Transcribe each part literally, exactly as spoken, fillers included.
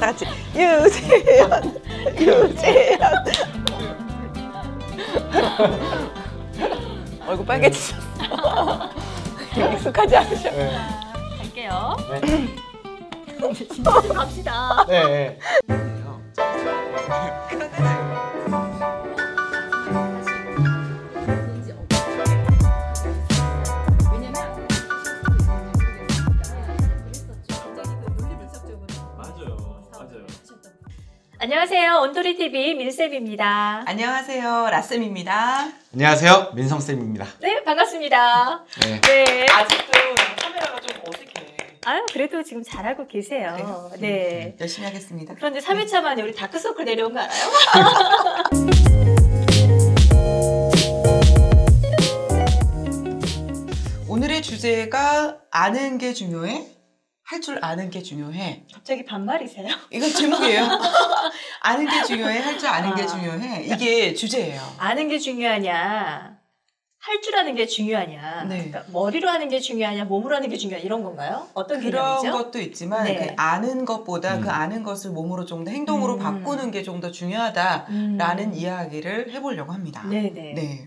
다 같이 유재현, 유재현. 얼굴 빨개지셨어. 익숙하지 않으셔. 네. 갈게요. 네. 진짜 갑시다. 네. 안녕하세요. 온돌이티비 민쌤입니다. 안녕하세요. 라쌤입니다. 안녕하세요. 민성쌤입니다. 네, 반갑습니다. 네. 네. 아직도 카메라가 좀 어색해. 아유, 그래도 지금 잘하고 계세요. 그래요? 네. 열심히 하겠습니다. 그런데 삼 회차 만에 우리 다크서클 내려온 거 알아요? 오늘의 주제가 아는 게 중요해? 할 줄 아는 게 중요해. 갑자기 반말이세요? 이건 제목이에요. 아는 게 중요해? 할 줄 아는 아. 게 중요해? 이게 주제예요. 아는 게 중요하냐? 할 줄 아는 게 중요하냐? 네. 그러니까 머리로 하는 게 중요하냐? 몸으로 하는 게 중요하냐? 이런 건가요? 어떤 그런 개념이죠? 것도 있지만 네. 그 아는 것보다 음. 그 아는 것을 몸으로 좀 더 행동으로 음. 바꾸는 게 좀 더 중요하다라는 음. 이야기를 해보려고 합니다. 네네. 네.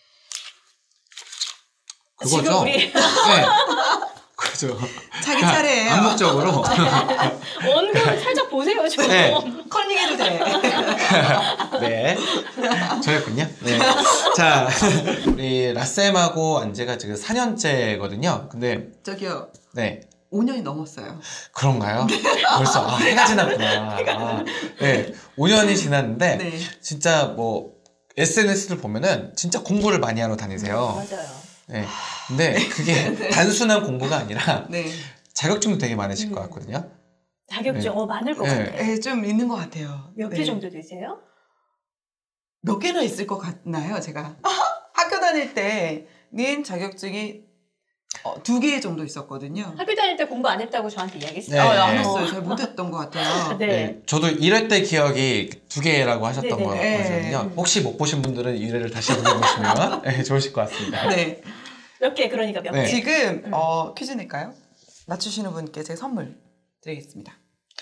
그거죠? 지금 우리 네. 그죠. 자기 차례예요. 암묵적으로. 원고를 살짝 보세요, 좀. 네. 컨닝해도 돼. 네. 저였군요. 네. 자, 우리 라쌤하고 안재가 지금 사 년째거든요. 근데, 저기요. 네. 오 년이 넘었어요. 그런가요? 벌써, 아, 해가 지났구나. 아, 네. 오 년이 지났는데, 네. 진짜 뭐, 에스엔에스를 보면은 진짜 공부를 많이 하러 다니세요. 맞아요. 네. 근데 그게 단순한 공부가 아니라 네. 자격증도 되게 많으실 음. 것 같거든요. 자격증, 네. 어, 많을 것 네. 같아요. 네, 좀 있는 것 같아요. 몇 개 네. 정도 되세요? 몇 개나 있을 것 같나요, 제가? 학교 다닐 때는 자격증이 어, 두 개 정도 있었거든요. 학교 다닐 때 공부 안 했다고 저한테 이야기했어요. 네. 아, 안 했어요. 잘 못했던 것 같아요. 네. 네. 저도 일 회 때 기억이 두 개라고 하셨던 네네네. 거거든요. 네. 혹시 못 보신 분들은 일 회를 다시 보시면 네, 좋으실 것 같습니다. 네. 몇 개, 그러니까 몇 네. 개. 지금 음. 어, 퀴즈 낼까요? 맞추시는 분께 제가 선물 드리겠습니다.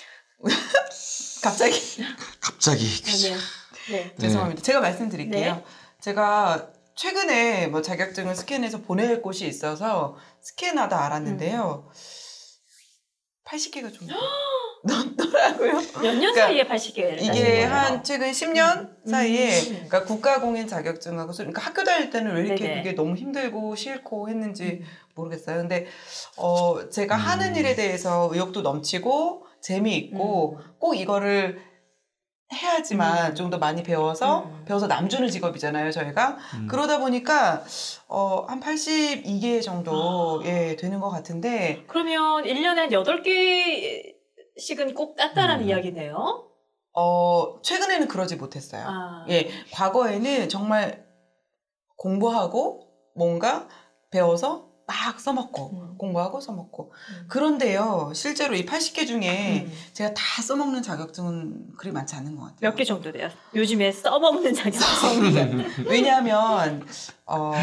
갑자기 갑자기. 네. 네. 죄송합니다. 제가 말씀드릴게요. 네. 제가 최근에 뭐 자격증을 스캔해서 보낼 곳이 있어서 스캔하다 알았는데요. 팔십 개가 좀 넘더라고요. 몇 년 그러니까 사이에 팔십 개를 따신 이게 거예요? 한 최근 십 년 음. 사이에 음. 그러니까 국가공인 자격증하고 수- 그러니까 학교 다닐 때는 왜 이렇게 네네. 그게 너무 힘들고 싫고 했는지 음. 모르겠어요. 근데 어 제가 음. 하는 일에 대해서 의욕도 넘치고 재미있고 음. 꼭 이거를 해야지만 음. 좀 더 많이 배워서 음. 배워서 남주는 직업이잖아요, 저희가. 음. 그러다 보니까 어 한 팔십이 개 정도 예 되는 것 같은데 그러면 일 년에 한 여덟 개씩은 꼭 땄다라는 음. 이야기네요. 어 최근에는 그러지 못했어요. 아. 예, 과거에는 정말 공부하고 뭔가 배워서 막 써먹고 음. 공부하고 써먹고 음. 그런데요 실제로 이 팔십 개 중에 음. 제가 다 써먹는 자격증은 그리 많지 않은 것 같아요. 몇 개 정도 돼요? 요즘에 써먹는 자격증. 왜냐하면 어,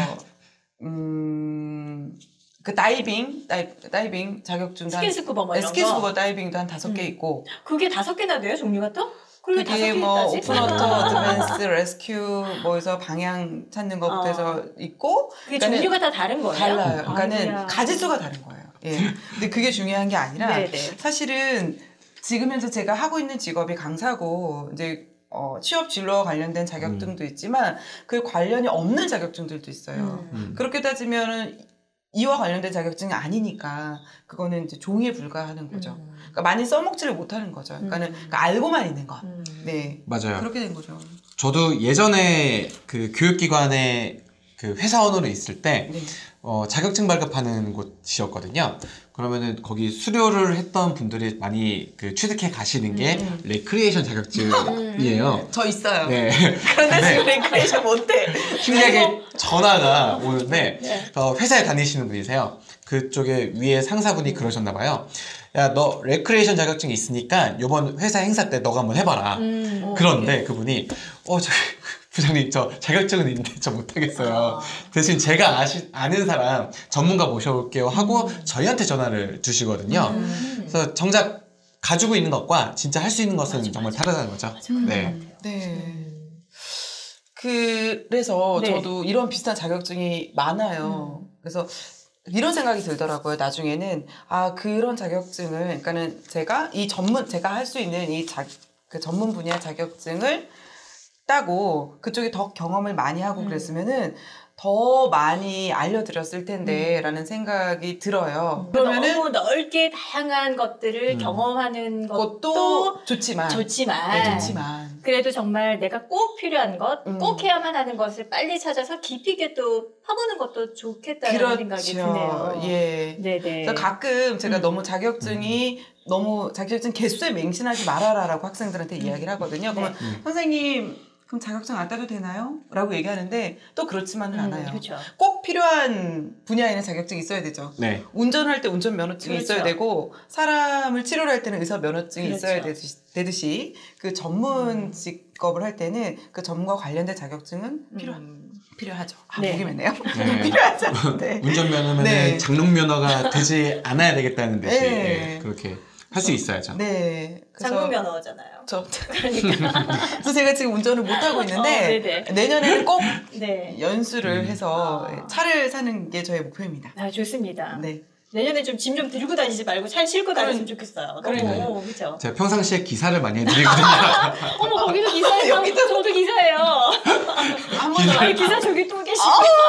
음, 그 다이빙 다이, 다이빙 자격증 스킨스쿠버 뭐 이런 거. 스킨스쿠버 다이빙도 한 다섯 개 음. 있고 그게 다섯 개나 돼요? 종류가 또? 그게 다섯 그게 개 뭐 있다지? 오픈워터, 어드밴스, 레스큐 뭐해서 방향 찾는 것부터 해서 어. 있고 그게 그러니까는 종류가 다 다른 거예요? 달라요. 그러니까는 아이고야. 가지수가 다른 거예요. 예. 근데 그게 중요한 게 아니라 네네. 사실은 지금 현재 제가 하고 있는 직업이 강사고 이제 어, 취업 진로와 관련된 자격증도 있지만 그 관련이 없는 자격증들도 있어요. 음. 음. 그렇게 따지면은 이와 관련된 자격증이 아니니까 그거는 이제 종이에 불과하는 거죠. 음. 그러니까 많이 써먹지를 못하는 거죠. 그러니까는 음. 그러니까 알고만 있는 것. 음. 네. 맞아요. 그렇게 된 거죠. 저도 예전에 그 교육기관에 그 회사원으로 있을 때 네. 어, 자격증 발급하는 곳이었거든요. 그러면은 거기 수료를 했던 분들이 많이 그 취득해 가시는 게 음. 레크리에이션 자격증이에요. 저 있어요. 네. 그런데 네. 지금 레크레이션 못해. 신기하게 전화가 오는데 네. 어, 회사에 다니시는 분이세요. 그쪽에 위에 상사분이 그러셨나 봐요. 야, 너 레크레이션 자격증이 있으니까 이번 회사 행사 때 너가 한번 해봐라. 음. 어. 그런데 그분이 어, 저 부장님 저 자격증은 있는데 저 못하겠어요. 아. 대신 제가 아시, 아는 사람 전문가 모셔올게요 하고 음. 저희한테 전화를 주시거든요. 음. 그래서 정작 가지고 있는 것과 진짜 할 수 있는 것은 맞아, 정말 맞아. 다르다는 거죠. 맞아, 그런 네. 것 같아요. 네. 음. 그래서 네. 저도 이런 비슷한 자격증이 많아요. 음. 그래서 이런 생각이 들더라고요. 나중에는 아 그런 자격증을 그러니까는 제가 이 전문 제가 할 수 있는 이 자, 그 전문 분야 자격증을 따고 그쪽에 더 경험을 많이 하고 음. 그랬으면은 더 많이 알려드렸을 텐데 라는 생각이 들어요. 그러면은 너무 넓게 다양한 것들을 음. 경험하는 것도 그것도 좋지만 좋지만, 네, 좋지만 그래도 정말 내가 꼭 필요한 것, 음. 꼭 해야만 하는 것을 빨리 찾아서 깊이 있게 또 파보는 것도 좋겠다는 생각이 드네요. 예. 네네. 그래서 가끔 제가 음. 너무 자격증이 너무 자격증 개수에 맹신하지 말아라라고 학생들한테 음. 이야기를 하거든요. 그러면 네. 음. 선생님 그럼 자격증 안 따도 되나요? 라고 얘기하는데 또 그렇지만은 음, 않아요. 그렇죠. 꼭 필요한 분야에는 자격증이 있어야 되죠. 네. 운전할 때 운전 면허증이 그렇죠. 있어야 되고 사람을 치료를 할 때는 의사 면허증이 그렇죠. 있어야 되듯이, 되듯이 그 전문 음. 직업을 할 때는 그 전문과 관련된 자격증은 필요 음. 필요하죠. 아, 네. 목이 맺네요. 네. 필요하죠. 네. 운전면허면 네. 장롱면허가 되지 않아야 되겠다는 듯이 네. 예, 그렇게 할 수 있어야죠. 네. 그래서 장롱 면허잖아요. 저, 그러니까. 그래서 제가 지금 운전을 못 하고 있는데 어, 네네. 내년에는 꼭 네. 연수를 음. 해서 아. 차를 사는 게 저의 목표입니다. 아, 좋습니다. 네. 내년에 좀 짐 좀 들고 다니지 말고 차에 싣고 다녔으면 그러니- 좋겠어요. 그러니까요. 너무, 그죠? 제가 평상시에 기사를 많이 해드리거든요. 어머, 거기도 기사예요. 여기도- 저도 기사예요. 한 번 더 아니, 기사 저기 또 계시고.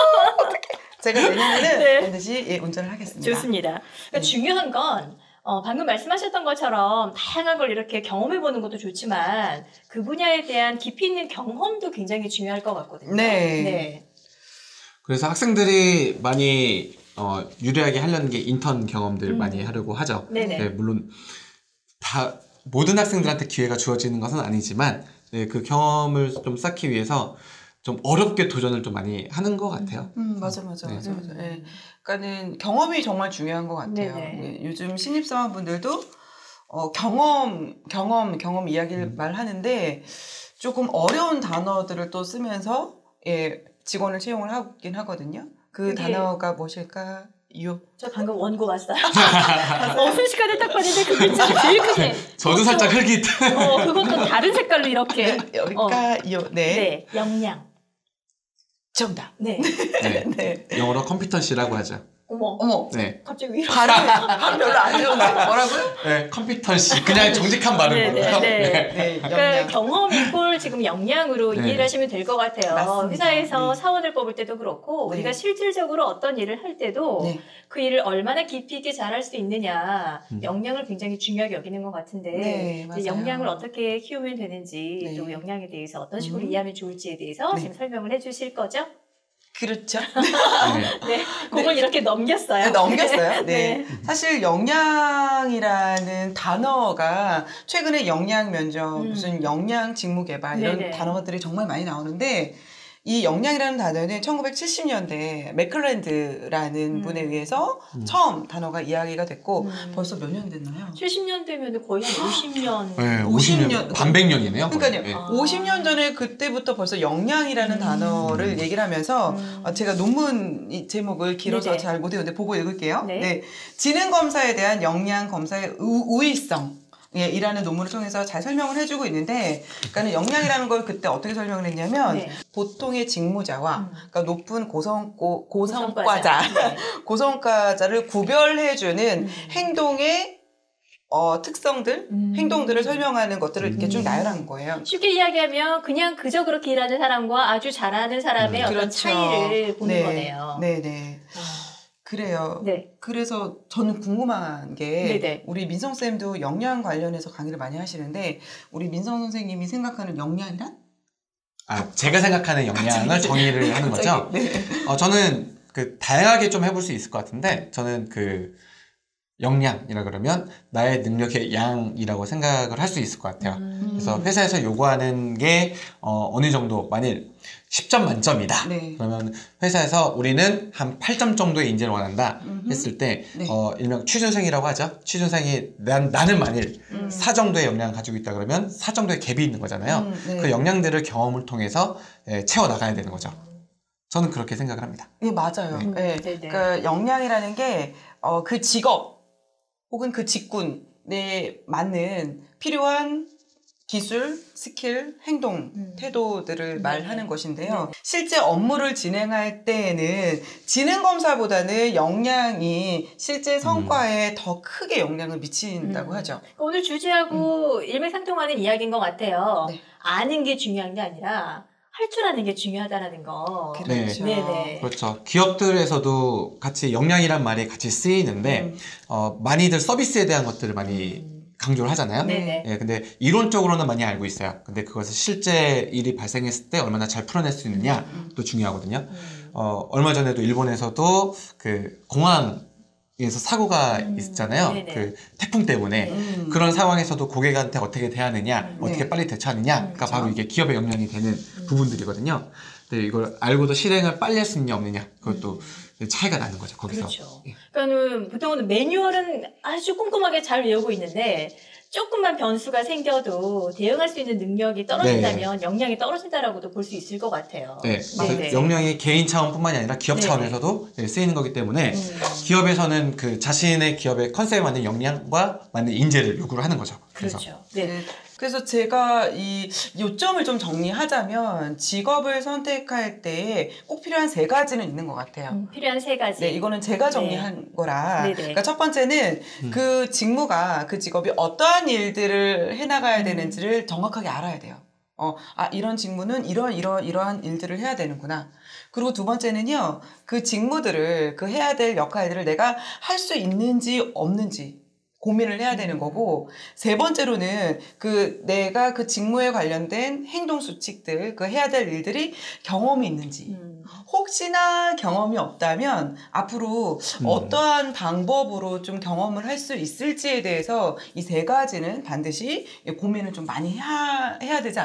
제가 내년에는 네. 반드시 예, 운전을 하겠습니다. 좋습니다. 그러니까 네. 중요한 건 어, 방금 말씀하셨던 것처럼 다양한 걸 이렇게 경험해보는 것도 좋지만 그 분야에 대한 깊이 있는 경험도 굉장히 중요할 것 같거든요. 네. 네. 그래서 학생들이 많이 어, 유리하게 하려는 게 인턴 경험들 음. 많이 하려고 하죠. 네네. 네, 물론 다 모든 학생들한테 기회가 주어지는 것은 아니지만 네, 그 경험을 좀 쌓기 위해서 좀 어렵게 도전을 좀 많이 하는 것 같아요. 음, 맞아, 맞아, 네. 맞아, 맞아. 예. 그러니까는 경험이 정말 중요한 것 같아요. 네네. 예, 요즘 신입사원분들도 어, 경험, 경험, 경험 이야기를 음. 말하는데 조금 어려운 단어들을 또 쓰면서 예, 직원을 채용을 하긴 하거든요. 그 그게- 단어가 무엇일까요? 저 방금 원고 왔어요. 어, 순식간에 딱 봤는데 그 글자 제일 크게. 저도 살짝 흙이 어, 그것도 다른 색깔로 이렇게. 네, 여기까요. 네. 네, 역량. 정답. 네. 네. 네. 영어로 컴피턴시라고 하죠. 어머, 어머. 네, 갑자기 위로. 발음, 발음 별로 안 좋은데. 뭐라고요? 네 컴피턴시 그냥 정직한 발음으로요. 네, 네, 네. 네, 그러니까 역량. 경험 이꼴 지금 역량으로 네. 이해를 하시면 될 것 같아요. 맞습니다. 회사에서 네. 사원을 뽑을 때도 그렇고 네. 우리가 실질적으로 어떤 일을 할 때도 네. 그 일을 얼마나 깊이 있게 잘할 수 있느냐 음. 역량을 굉장히 중요하게 여기는 것 같은데 네, 이제 맞아요. 역량을 어떻게 키우면 되는지 네. 또 역량에 대해서 어떤 식으로 음. 이해하면 좋을지에 대해서 네. 지금 설명을 해주실 거죠? 그렇죠. 네. 네, 그걸 이렇게 넘겼어요. 네, 넘겼어요. 네. 네. 사실 역량이라는 단어가 최근에 역량 면접, 음. 무슨 역량 직무 개발 이런 네네. 단어들이 정말 많이 나오는데 이 역량이라는 단어는 천구백칠십 년대 맥클랜드라는 음. 분에 의해서 음. 처음 단어가 이야기가 됐고 음. 벌써 몇 년 됐나요? 칠십 년 되면 거의 한 오십 년. 네, 오십 오십 년, 년. 반백년이네요. 그러니까요. 네. 아. 오십 년 전에 그때부터 벌써 역량이라는 음. 단어를 얘기를 하면서 음. 어, 제가 논문 이 제목을 길어서 네네. 잘 못 외우는데 보고 읽을게요. 네. 지능 검사에 대한 역량 검사의 우, 우위성. 예, 이라는 논문을 통해서 잘 설명을 해주고 있는데, 그러니까 역량이라는 걸 그때 어떻게 설명을 했냐면, 네. 보통의 직무자와, 음. 그러니까 높은 고성, 고, 고성과자, 고성과자. 네. 고성과자를 구별해주는 음. 행동의 어, 특성들, 음. 행동들을 설명하는 것들을 이렇게 쭉 음. 나열한 거예요. 쉽게 이야기하면 그냥 그저 그렇게 일하는 사람과 아주 잘하는 사람의 음. 어떤 그렇죠. 차이를 보는 네. 거네요. 네네. 아, 그래요. 네. 그래서 저는 궁금한 게 네네. 우리 민성 쌤도 역량 관련해서 강의를 많이 하시는데 우리 민성 선생님이 생각하는 역량이란? 아, 제가 생각하는 역량을 정의를 하는 거죠. 갑자기, 네. 어, 저는 그 다양하게 좀 해볼 수 있을 것 같은데 저는 그 역량이라 그러면 나의 능력의 양이라고 생각을 할 수 있을 것 같아요. 음. 그래서 회사에서 요구하는 게 어, 어느 정도 만일 십 점 만점이다. 네. 그러면 회사에서 우리는 한 팔 점 정도의 인재를 원한다 음흠. 했을 때 네. 어, 일명 취준생이라고 하죠. 취준생이 난, 나는 만일 음. 사 정도의 역량을 가지고 있다 그러면 사 정도의 갭이 있는 거잖아요. 음, 네. 그 역량들을 경험을 통해서 예, 채워나가야 되는 거죠. 저는 그렇게 생각을 합니다. 네, 맞아요. 음, 네. 네네. 그러니까 역량이라는 게 어, 그 직업 혹은 그 직군 본인에 맞는 필요한 기술, 스킬, 행동, 음. 태도들을 네. 말하는 것인데요. 네. 실제 업무를 진행할 때에는 지능 검사보다는 역량이 실제 성과에 음. 더 크게 영향을 미친다고 음. 하죠. 오늘 주제하고 음. 일맥상통하는 이야기인 것 같아요. 네. 아는 게 중요한 게 아니라 할 줄 아는 게 중요하다는 거. 그렇죠. 네. 네네. 그렇죠. 기업들에서도 같이 역량이란 말이 같이 쓰이는데 음. 어, 많이들 서비스에 대한 것들을 많이 음. 강조를 하잖아요. 네네. 예, 근데 이론적으로는 많이 알고 있어요. 근데 그것을 실제 일이 발생했을 때 얼마나 잘 풀어낼 수 있느냐도 음. 중요하거든요. 음. 어, 얼마 전에도 일본에서도 그 공항에서 사고가 음. 있잖아요. 네네. 그 태풍 때문에. 네. 음. 그런 상황에서도 고객한테 어떻게 대하느냐, 음. 어떻게 네. 빨리 대처하느냐가 음. 바로 이게 기업의 역량이 되는 음. 부분들이거든요. 근데 이걸 알고도 실행을 빨리 할 수 있냐 없느냐, 그것도 음. 차이가 나는 거죠, 거기서. 그렇죠. 예. 그러니까는 보통은 매뉴얼은 아주 꼼꼼하게 잘 외우고 있는데 조금만 변수가 생겨도 대응할 수 있는 능력이 떨어진다면 네. 역량이 떨어진다라고도 볼 수 있을 것 같아요. 네, 그래서 네네. 역량이 개인 차원뿐만이 아니라 기업 네네. 차원에서도 쓰이는 거기 때문에 음. 기업에서는 그 자신의 기업의 컨셉에 맞는 역량과 맞는 인재를 요구를 하는 거죠. 그래서. 그렇죠. 네. 네. 그래서 제가 이 요점을 좀 정리하자면 직업을 선택할 때 꼭 필요한 세 가지는 있는 것 같아요. 음, 필요한 세 가지. 네, 이거는 제가 정리한 네. 거라. 네네. 그러니까 첫 번째는 음. 그 직무가 그 직업이 어떠한 일들을 해나가야 음. 되는지를 정확하게 알아야 돼요. 어, 아 이런 직무는 이런 이런 이러한 일들을 해야 되는구나. 그리고 두 번째는요, 그 직무들을 그 해야 될 역할들을 내가 할 수 있는지 없는지 고민을 해야 되는 거고, 세 번째로는 그 내가 그 직무에 관련된 행동 수칙들, 그 해야 될 일들이 경험이 있는지. 음. 혹시나 경험이 없다면 앞으로 음. 어떠한 방법으로 좀 경험을 할 수 있을지에 대해서 이 세 가지는 반드시 고민을 좀 많이 해야, 해야 되지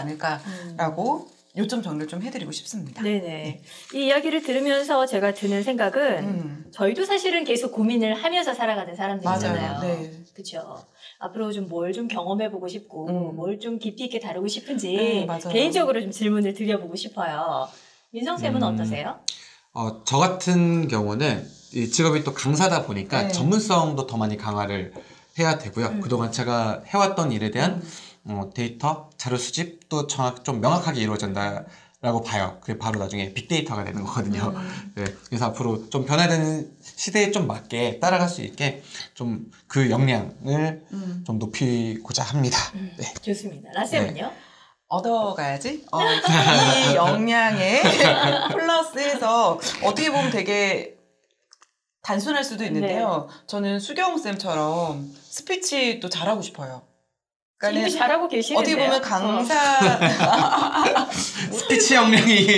않을까라고 요점 정리를 좀 해드리고 싶습니다. 네네. 이 이야기를 들으면서 제가 드는 생각은 음. 저희도 사실은 계속 고민을 하면서 살아가는 사람들이잖아요. 맞아요. 네. 그렇죠. 앞으로 좀 뭘 좀 경험해보고 싶고 음. 뭘 좀 깊이 있게 다루고 싶은지 네, 맞아요. 개인적으로 좀 질문을 드려보고 싶어요. 민성쌤은 음. 어떠세요? 어, 저 같은 경우는 이 직업이 또 강사다 보니까 네. 전문성도 더 많이 강화를 해야 되고요. 음. 그동안 제가 해왔던 일에 대한 음. 어, 데이터, 자료 수집도 정확, 좀 명확하게 이루어진다라고 봐요. 그게 바로 나중에 빅데이터가 되는 거거든요. 음. 네, 그래서 앞으로 좀 변화되는 시대에 좀 맞게 따라갈 수 있게 좀 그 역량을 음. 좀 높이고자 합니다. 음. 네. 좋습니다. 라쌤은요? 얻어가야지. 어, 이 역량에 플러스해서 어떻게 보면 되게 단순할 수도 있는데요. 저는 수경쌤처럼 스피치도 잘하고 싶어요. 이미 잘하고 계시는데요. 어떻게 보면 강사 스피치 역량이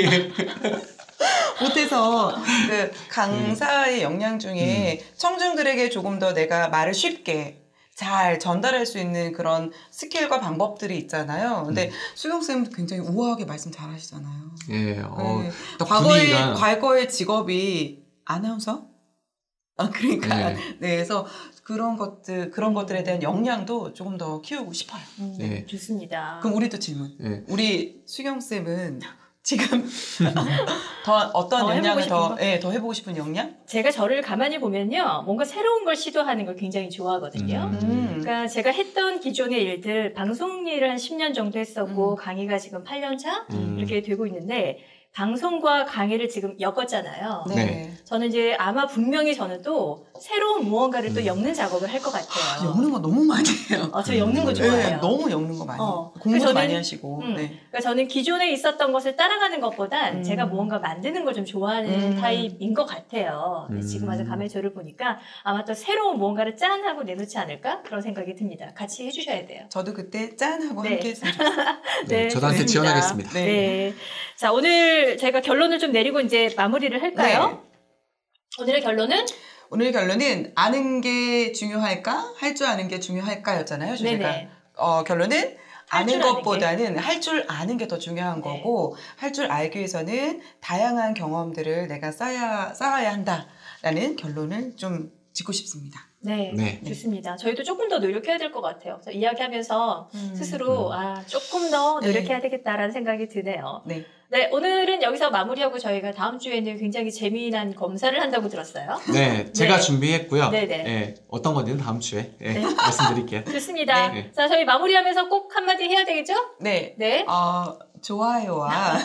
못해서 그 강사의 역량 중에 청중들에게 조금 더 내가 말을 쉽게 잘 전달할 수 있는 그런 스킬과 방법들이 있잖아요. 근데 음. 수경쌤도 굉장히 우아하게 말씀 잘 하시잖아요. 예, 어, 네. 딱 과거의, 분위기가 과거의 직업이 아나운서? 아, 그러니까. 네. 네. 그래서 그런 것들, 그런 것들에 대한 역량도 조금 더 키우고 싶어요. 음, 네. 좋습니다. 그럼 우리도 질문. 예. 우리 수경쌤은 지금 더 어떤 더 해보고 역량을 싶은 더, 거? 예, 더 해보고 싶은 역량? 제가 저를 가만히 보면요. 뭔가 새로운 걸 시도하는 걸 굉장히 좋아하거든요. 음. 그러니까 제가 했던 기존의 일들, 방송 일을 한 십 년 정도 했었고, 음. 강의가 지금 팔 년 차? 음. 이렇게 되고 있는데, 방송과 강의를 지금 엮었잖아요. 네. 네. 저는 이제 아마 분명히 저는 또 새로운 무언가를 또 음. 엮는 작업을 할 것 같아요. 엮는 거 너무 많이 해요. 어, 저 엮는 거 음. 좋아해요. 네, 너무 엮는 거 많이 어. 해요. 공부도 그래서 많이 저는- 하시고. 음. 네. 그러니까 저는 기존에 있었던 것을 따라가는 것보단 음. 제가 무언가 만드는 걸 좀 좋아하는 음. 타입인 것 같아요. 근데 음. 지금 와서 가만히 저를 보니까 아마 또 새로운 무언가를 짠 하고 내놓지 않을까? 그런 생각이 듭니다. 같이 해주셔야 돼요. 저도 그때 짠 하고 네. 함께 했으면 좋겠어요. 네, 네, 저도 한테 좋습니다. 지원하겠습니다. 네. 네. 자, 오늘 제가 결론을 좀 내리고 이제 마무리를 할까요? 네. 오늘의 결론은? 오늘 결론은 아는 게 중요할까? 할 줄 아는 게 중요할까였잖아요, 주제가. 네네. 어, 결론은 할 아는 줄 아는 것보다는 할 줄 아는 게 더 중요한 네. 거고, 할 줄 알기 위해서는 다양한 경험들을 내가 쌓아야, 쌓아야 한다라는 결론을 좀 짓고 싶습니다. 네, 네. 좋습니다. 저희도 조금 더 노력해야 될 것 같아요. 그래서 이야기하면서 음. 스스로 음. 아 조금 더 네. 노력해야 되겠다라는 생각이 드네요. 네. 네, 오늘은 여기서 마무리하고 저희가 다음 주에는 굉장히 재미난 검사를 한다고 들었어요. 네, 제가 네. 준비했고요. 네네. 네, 어떤 건지는 다음 주에 예, 네. 말씀드릴게요. 좋습니다. 네. 자, 저희 마무리하면서 꼭 한마디 해야 되겠죠? 네. 네. 어, 좋아요와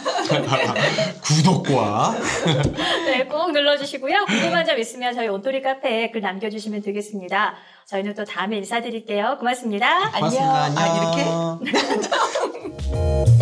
구독과 네, 꼭 눌러주시고요. 궁금한 점 있으면 저희 온토리 카페에 글 남겨주시면 되겠습니다. 저희는 또 다음에 인사드릴게요. 고맙습니다. 고맙습니다. 안녕. 아, 안녕. 이렇게?